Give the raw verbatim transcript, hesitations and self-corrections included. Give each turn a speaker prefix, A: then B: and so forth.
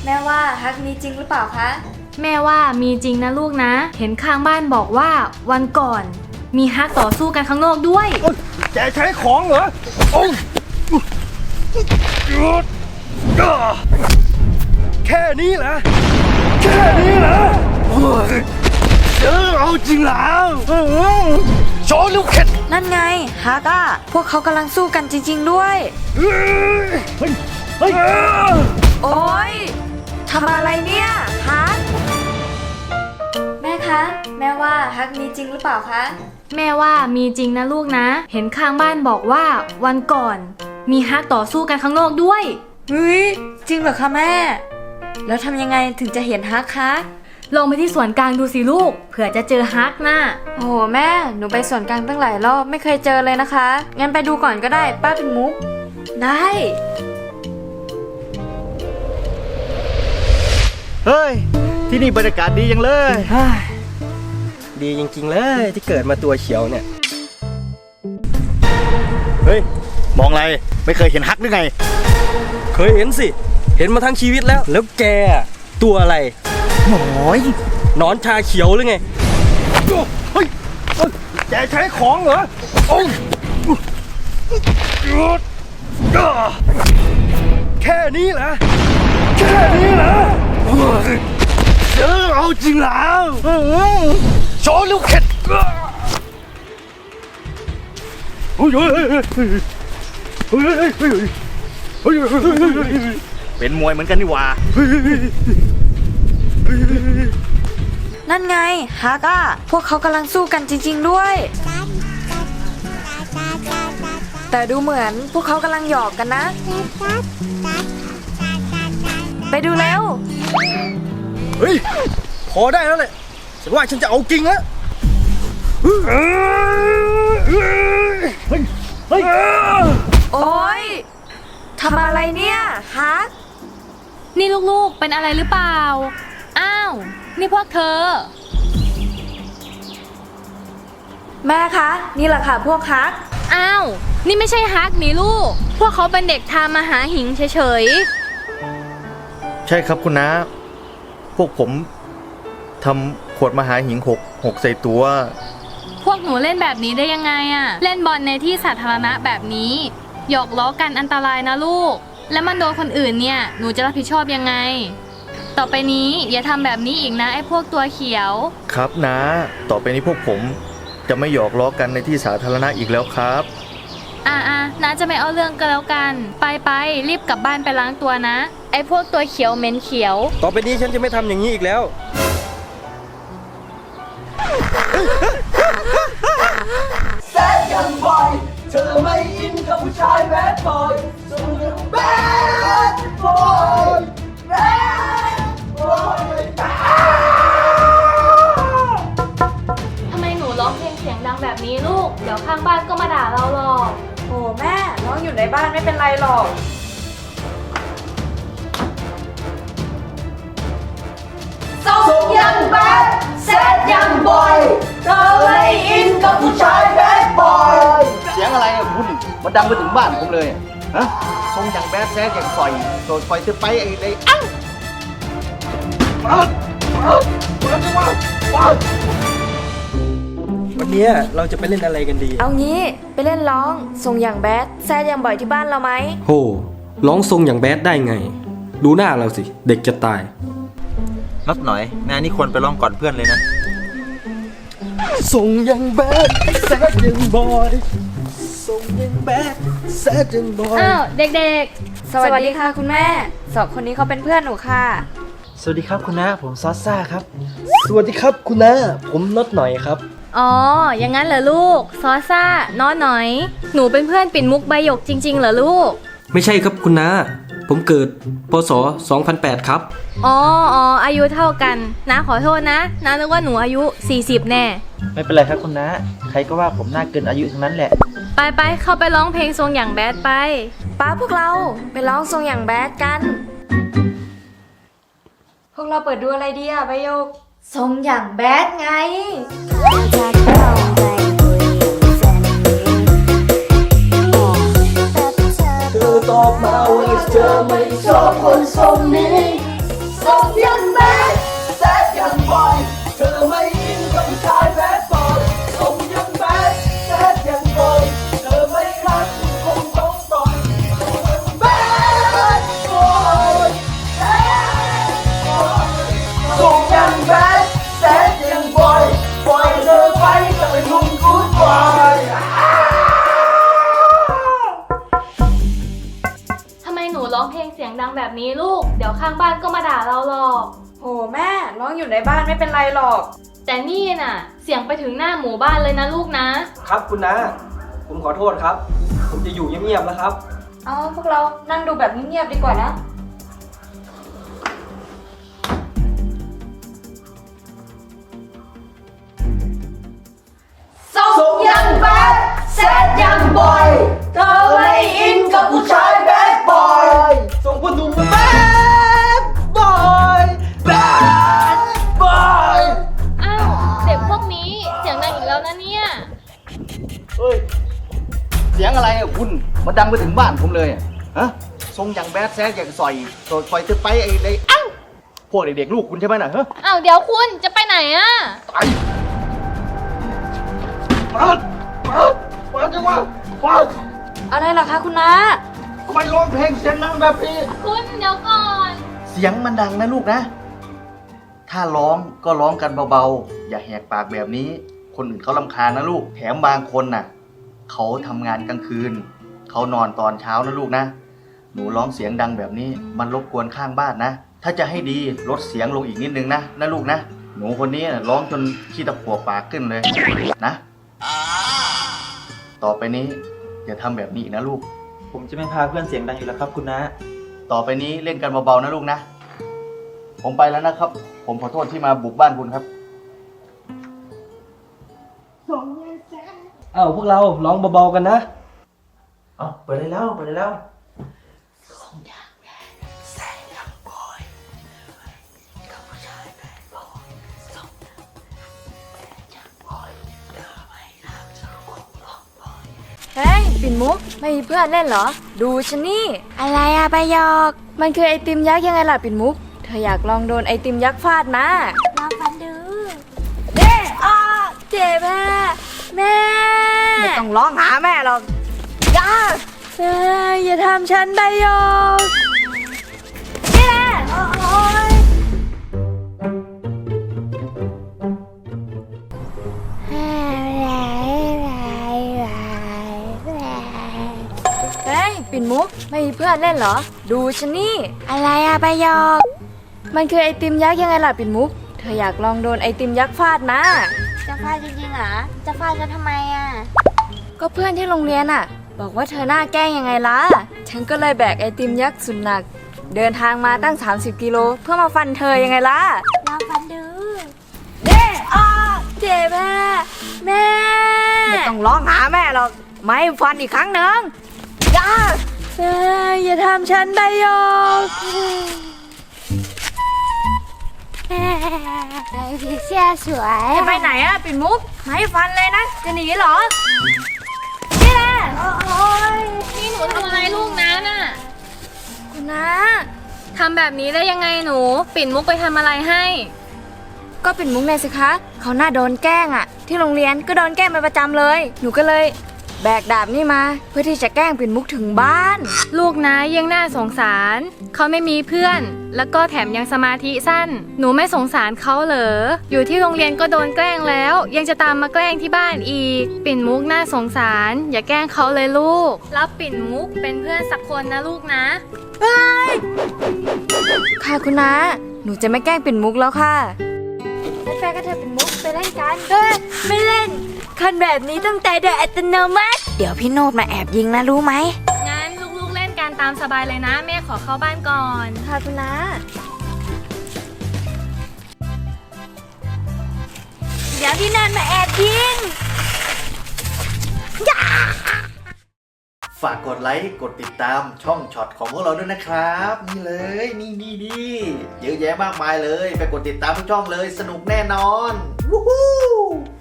A: แม่ว่าฮักมีจริงหรือเปล่าคะ
B: แม่ว่ามีจริงนะลูกนะเห็นข้างบ้านบอกว่าวันก่อนมีฮักต่อสู้กันข้างนอกด้วย
C: แกใช้ของเหรอโอ้แค่นี้เหรอแค่นี้เหรอเออเอาจริงแล้วโชว์ลูกเข็ด
A: นั่นไงฮักอะพวกเขากำลังสู้กันจริงๆด้วย
C: เฮ้ยเฮ้ย
A: โอ๊ยทำอะไรเนี่ยฮักแม่คะแม่ว่าฮักมีจริงหรือเปล่าคะ
B: แม่ว่ามีจริงนะลูกนะเห็นข้างบ้านบอกว่าวันก่อนมีฮักต่อสู้กันข้างนอกด้วย
A: เฮ้ยจริงเหรอคะแม่แล้วทำยังไงถึงจะเห็นฮักคะ
B: ลงไปที่สวนกลางดูสิลูกเผื่อจะเจอฮักนะ
A: โอ้โหแม่หนูไปสวนกลางตั้งหลายรอบไม่เคยเจอเลยนะคะงั้นไปดูก่อนก็ได้ป้าเป็นมุกได้
C: เฮ้ยที่นี่บรรยากาศดีจังเลยดีจริงๆเลยที่เกิดมาตัวเขียวเนี่ย
D: เฮ้ยมองอะไรไม่เคยเห็นฮักหรือไง
C: เคยเห็นสิเห็นมาทั้งชีวิตแล้วแล้วแกตัวอะไร
D: หน่อย
C: นอนชาเขียวหรือไงเฮ้ยแกใช้ของเหรอโอ้แค่นี้เหรอแค่นี้เหรอเออเอาจริงแล้วโชว์ลูกเข็ดเฮ้ยเฮ้ยเฮ้ยเฮ้ยเฮ้ยเฮ้ยเฮ้ย
D: เป็นมวยเหมือนกันนี่หว่า
A: นั่นไงฮักอะพวกเขากำลังสู้กันจริงๆด้วยแต่ดูเหมือนพวกเขากำลังหยอกกันนะไปดูแล้ว
C: เฮ้ยพอได้แล้วแหละฉันว่าฉันจะเอาจริงแล้วเฮ้ยเฮ้ย
A: โอ๊ยทำอะไรเนี่ยฮัก
B: นี่ลูกๆเป็นอะไรหรือเปล่าอ้าวนี่พวกเธอ
A: แม่คะนี่แหละค่ะพวกฮัก
B: อ้าวนี่ไม่ใช่ฮักนี่ลูกพวกเขาเป็นเด็กทำมาหาหิงเฉย
D: ๆใช่ครับคุณน้าพวกผมทำขวดมหาหิงหกหกใส่ตัว
B: พวกหนูเล่นแบบนี้ได้ยังไงอะเล่นบอลในที่สาธารณะแบบนี้หยอกล้อกันอันตรายนะลูกแล้วมันโดนคนอื่นเนี่ยหนูจะรับผิดชอบยังไงต่อไปนี้อย่าทำแบบนี้อีกนะไอ้พวกตัวเขียว
D: ครับนะต่อไปนี้พวกผมจะไม่หยอกล้อกันในที่สาธารณะอีกแล้วครับ
B: อ่าอ่าน้าจะไม่เอาเรื่องกันแล้วกันไปไปรีบกลับบ้านไปล้างตัวนะไอ้พวกตัวเขียวเหม็นเขียว
C: ต่อไปนี้ฉันจะไม่ทำอย่างนี้อีกแล้ว
E: แซดยังบอยเธอไม่อินกับผู้ชายแบดบอยเธอยังแบดบอยแบดบอย
B: ทำไมหนูร้องเพลงเสียงดังแบบนี้ลูกเดี๋ยวข้างบ้านก็มาด่าเราหรอก
A: โอ้แม่น้องอยู่ในบ้านไม่เป็นไรหรอก
E: ส่งยังแบดแซดยังบอยเธอไม่อินกับผู้ชายแบดบอย
D: เสียงอะไรอ่ะคุณมันดังไปถึงบ้านผมเลยฮะทรงอย่างแบดแซดอย่างปล่อยโดดปล่อยเธอไปไอ้ไอ้อ้าว
C: วันนี้เราจะไปเล่นอะไรกันดี
A: เอางี้ไปเล่นร้องส่งอย่างแบดแซดยังบ่อยที่บ้านเราไหม
C: โหร้องทรงอย่างแบดได้ไงดูหน้าเราสิเด็กจะตาย
D: นัดหน่อยแม่นี่ควรไปร้องก่อนเพื่อนเลยนะ
C: ส่งยังแบดแซดยังบอยส่งยังแบดแซดยังบอย
B: อ้าวเด็ก
A: ๆสวัสดีค่ะคุณแม่สองคนนี้เขาเป็นเพื่อนหนูค่ะ
C: สวัสดีครับคุณน้าผมซอสซ่าครับสวัสดีครับคุณน้าผมน็อตหน่อยครับ
B: อ๋ออย่างนั้นเหรอลูกซอซ่าน้อหน่อยหนูเป็นเพื่อนปิ่นมุกใบหยกจริงๆเหรอลูก
C: ไม่ใช่ครับคุณน้าผมเกิดพศสองพันแปดครับ
B: อ๋ออ๋ออายุเท่ากันน้าขอโทษนะน้านึกว่าหนูอายุสี่สิบแน่
D: ไม่เป็นไรครับคุณน้าใครก็ว่าผมน่าเกินอายุทั้งนั้นแหละ
B: ไปไปเข้าไปร้องเพลงทรงอย่างแบดไป
A: ป้าพวกเราไปร้องทรงอย่างแบดกันพวกเราเปิดดูอะไรดีอะใบหยกทรงอย่างแบดไง
E: เธอตอบมาว่าเธอไม่ชอบคนทรงนี้
B: างบ้านก็มาด่าเราหรอก
A: โหแม่ร้องอยู่ในบ้านไม่เป็นไรหรอก
B: แต่นี่น่ะ เสียงไปถึงหน้าหมู่บ้านเลยนะลูกนะ
C: ครับคุณนะผมขอโทษครับ ผมจะอยู่เงียบๆแล้วครับ
A: เอาพวกเรานั่งดูแบบเงียบๆดีกว่านะ
E: ส่งยังแบดแซดยังบอย เธอไม่อินกับผู้ชายแบดบอย
C: ส่งคุณหนุ่มแบดบอย
E: แบดบอย
B: อ้าวเด็กพวกนี้เสียงดังอีกแล้วนะเนี่ย
D: เฮ้ย เสียงอะไรอะคุณมาดังไปถึงบ้านผมเลยอะฮะทรงอย่างแบดแซดอย่างซอยโดดไฟเธอไปไอ้ไอ้เอ้าพวกเด็กๆลูกคุณใช่ไหมน่ะฮะ
B: อ้าวเดี๋ยวคุณจะไปไหนอะ
D: ไปมามามาจังวะมา
A: อะไรล่ะคะคุณน้า
D: ทำไมร้องเพลงเสียงดังแบบนี้
B: คุณเดี๋ยวก่อน
D: เสียงมันดังนะลูกนะ ถ้าร้องก็ร้องกันเบาๆ อย่าแหกปากแบบนี้ คนอื่นเขารำคาญนะลูก แถมบางคนน่ะ เขาทำงานกลางคืน เขานอนตอนเช้านะลูกนะ หนูร้องเสียงดังแบบนี้ มันรบกวนข้างบ้านนะ ถ้าจะให้ดีลดเสียงลงอีกนิดนึงนะนะลูกนะ หนูคนนี้น่ะร้องจนขี้ตะกัวปากขึ้นเลยนะ ต่อไปนี้อย่าทำแบบนี้อีกนะลูก
C: ผมจะไม่พาเพื่อนเสียงดังอีกแล้วครับคุณนะ
D: ต่อไปนี้เล่นกันเบาๆนะลูกนะ ผมไปแล้วนะครับ ผมขอโทษที่มาบุกบ้านคุณครับ
C: เอ้าพวกเราร้องเบาๆกันนะ เอาไปได้แล้วไปได้แล้ว
A: เฮ้ยปิ่นมุกไม่มีเพื่อนเล่นเหรอ ดูฉันนี่ อะไรอะใบยอก มันคือไอติมยักษ์ยังไงล่ะปิ่นมุก เธออยากลองโดนไอติมยักษ์ฟาดมาลองฟันดูเด้อ้าเจ็บแม่แม่ไม่ต้องร้องหาแม่หรอกอย่าเอ้ยอย่าทำฉันใบยอกนี่แหละโอ๊ยเฮ้ยปิ่นมุกไม่มีเพื่อนเล่นเหรอ ดูฉันนี่ อะไรอะใบยอก มันคือไอติมยักษ์ยังไงล่ะปิ่นมุก เธออยากลองโดนไอติมยักษ์ฟาดมาจะฟาดจริงๆเหรอ จะฟาดฉันทำไมอะก็เพื่อนที่โรงเรียนอะบอกว่าเธอหน้าแกล้งยังไงล่ะ ฉันก็เลยแบกไอติมยักษ์สุดหนัก เดินทางมาตั้ง สามสิบ กิโลเพื่อมาฟันเธอยังไงล่ะลองฟันดูเด้อ้าเจ็บแม่แม่ไม่ต้องร้องหาแม่หรอกไม่ฟันอีกครั้งหนึ่งอย่าเอ้ยอย่าทำฉันใบยอก
F: ผีเสื้อสวย
A: จะไปไหนอะปิ่นมุกไม่ฟันเลยนะ จะหนีเหรอนี่แหละโอ๊ย
B: นี่หนูทำอะไรลูกนะน่ะ
A: คุณนะ
B: ทำแบบนี้ได้ยังไงหนู ปิ่นมุกไปทำอะไรให้
A: ก็ปิ่นมุกไงสิคะ เขาหน้าโดนแกล้งอะที่โรงเรียนก็โดนแกล้งเป็นประจำเลย หนูก็เลยแบกดาบนี่มา เพื่อที่จะแกล้งปิ่นมุกถึงบ้าน
B: ลูกนะยังน่าสงสาร เขาไม่มีเพื่อน แล้วก็แถมยังสมาธิสั้น หนูไม่สงสารเขาเหรอ อยู่ที่โรงเรียนก็โดนแกล้งแล้ว ยังจะตามมาแกล้งที่บ้านอีก ปิ่นมุกน่าสงสาร อย่าแกล้งเขาเลยลูก รับปิ่นมุกเป็นเพื่อนสักคนนะลูกนะ
A: ค่ะคุณนะ หนูจะไม่แกล้งปิ่นมุกแล้วค่ะไปแฟนก็เธอปิ่นมุกไปเล่นกันเฮ้ยไม่เล่น คันแบบนี้ต้องใจโดยอัตโนมัติ เดี๋ยวพี่โนดมาแอบยิงนะรู้ไหม
B: งั้นลูกๆเล่นกันตามสบายเลยนะ แม่ขอเข้าบ้านก่อน
A: ค่ะคุณนะเดี๋ยวพี่โนดมาแอบยิง
D: ฝากกดไลค์กดติดตามช่องช็อตของพวกเราด้วยนะครับ นี่เลยนี่นี่นี่เยอะแยะมากมายเลย ไปกดติดตามทุกช่องเลยสนุกแน่นอนวู้ฮู้